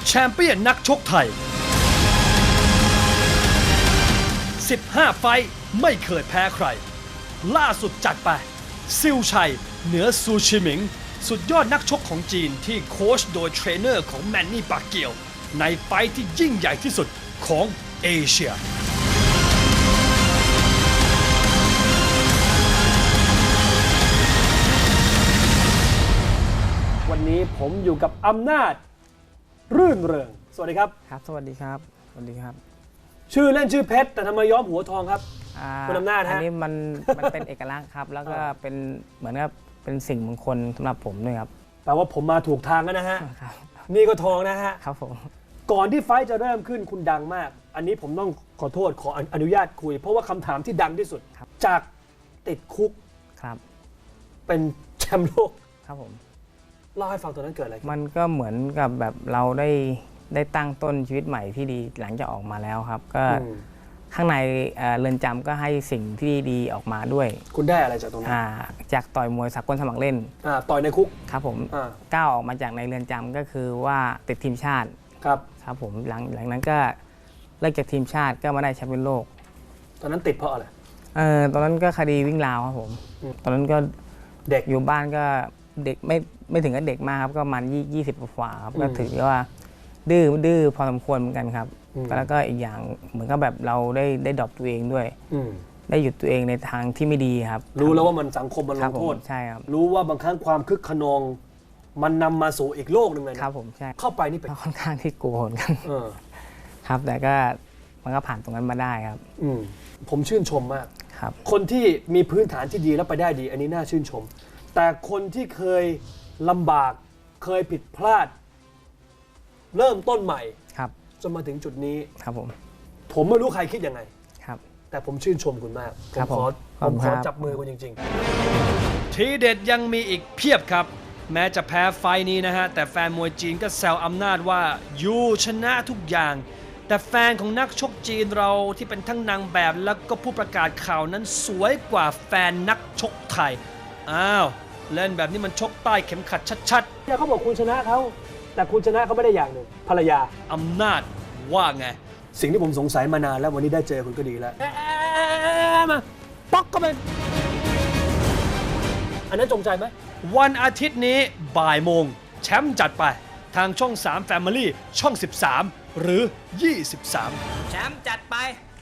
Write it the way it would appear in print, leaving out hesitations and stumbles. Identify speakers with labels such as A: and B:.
A: แชมเปี้ยนนักชกไทย 15 ไฟท์ไม่เคยแพ้ใคร ล่าสุดจัดไปซิลชัยเหนือซูชิหมิง สุดยอดนักชกของจีนที่โค้ชโดยเทรนเนอร์ของแมนนี่ปากเกียว ในไฟท์ที่ยิ่งใหญ่ที่สุดของเอเชีย
B: วันนี้ผมอยู่กับอำนาจรื่นเริงสวัสดีครับ
C: ครับสวัสดีครับสวัสดีครับ
B: ชื่อเล่นชื่อเพชรแต่ทำไมย้อมหัวทองครับ คุณอำนาจฮะ
C: อันนี้มันเป็นเอกลักษณ์ครับ แล้วก็เป็นเหมือนกับเป็นสิ่งมงคลสำหรับผมด้วยครับ
B: แปลว่าผมมาถูกทางแล้วนะฮะ
C: ครับ
B: นี่ก็ทองนะฮะ
C: ครับผม
B: ก่อนที่ไฟท์จะเริ่มขึ้นคุณดังมาก อันนี้ผมต้องขอโทษขออนุญาตคุย เพราะว่าคำถามที่ดังที่สุด จากติดคุก
C: ครับ
B: เป็นแชมป์โลก
C: ครับผม
B: เล่าให้ฟังตอนนั้นเกิดอะไรขึ้น
C: มันก็เหมือนกับแบบเราได้ตั้งต้นชีวิตใหม่ที่ดีหลังจากออกมาแล้วครับ ก็ข้างในเรือนจำก็ให้สิ่งที่ดีออกมาด้วย
B: คุณได้อะไรจากตรงนั้น
C: จากต่อยมวยสากลสมัครเล่น
B: ต่อยในคุก
C: ครับผม
B: อ่า
C: ก้าวออกมาจากในเรือนจำก็คือว่าติดทีมชาติ
B: ครับ
C: ครับผมหลังนั้นก็เลิกจากทีมชาติก็มาได้แชมป์โลก
B: ตอนนั้นติดเพราะอะไร
C: ตอนนั้นก็คดีวิ่งราวครับผม ตอนนั้นก็
B: เด็ก
C: อยู่บ้านก็เด็กไม่ถึงกับเด็กมากครับก็ประมาณ20 กว่าครับก็ถือว่าดื้อพอสมควรเหมือนกันครับแล้วก็อีกอย่างเหมือนกับแบบเราได้ดรอปตัวเองด้วย ได้หยุดตัวเองในทางที่ไม่ดีครับ
B: รู้แล้วว่ามันสังคมมันล
C: ครับ
B: ง
C: ผ
B: โทษ
C: มใช่ครับ
B: รู้ว่าบางครั้งความคึกขนอง มันนำมาสู่อีกโลกหนึ่งเลยนะครับ
C: ผมใช่
B: เข้าไปนี่เป็น
C: ก็ค่อนข้างที่กลัวเหมือนกัน
B: เออ
C: ครับแต่ก็มันก็ผ่านตรงนั้นมาได้ครับ
B: ผมชื่นชมมาก
C: ครับ
B: คนที่มีพื้นฐานที่ดีแล้วไปได้ดี อันนี้น่าชื่นชม แต่คนที่เคยลำบากเคยผิดพลาด เริ่มต้นใหม่
C: ครับ
B: จนมาถึงจุดนี้
C: ครับผม
B: ผมไม่รู้ใครคิดยังไง
C: ครับ
B: แต่ผมชื่นชมคุณมาก
C: ครับ
B: ผม
C: ขอบคุณ
B: ขอ
C: ครับ
B: จับมือคุณจริง
A: ทีเด็ดยังมีอีกเพียบครับ แม้จะแพ้ไฟท์นี้นะฮะ แต่แฟนมวยจีนก็แซวอำนาจว่ายูชนะทุกอย่าง แต่แฟนของนักชกจีนเราที่เป็นทั้งนางแบบแล้วก็ผู้ประกาศข่าวนั้นสวยกว่าแฟนนักชกไทย อ้าว เล่นแบบนี้มันชกใต้เข็มขัดชัด
B: ๆเนี่ยเขาบอกคุณชนะเขาแต่คุณชนะเขาไม่ได้อย่างหนึ่งภรรยา
A: ๆ อำนาจว่าไง
B: สิ่งที่ผมสงสัยมานานแล้ววันนี้ได้เจอคุณก็ดีแล้วมาป๊อกก็เป็นอันนั้นจงใจไหม
A: วันอาทิตย์นี้บ่ายโมงแชมป์จัดไปทางช่อง 3 Family ช่อง 13 หรือ 23
D: แชมป์จัดไป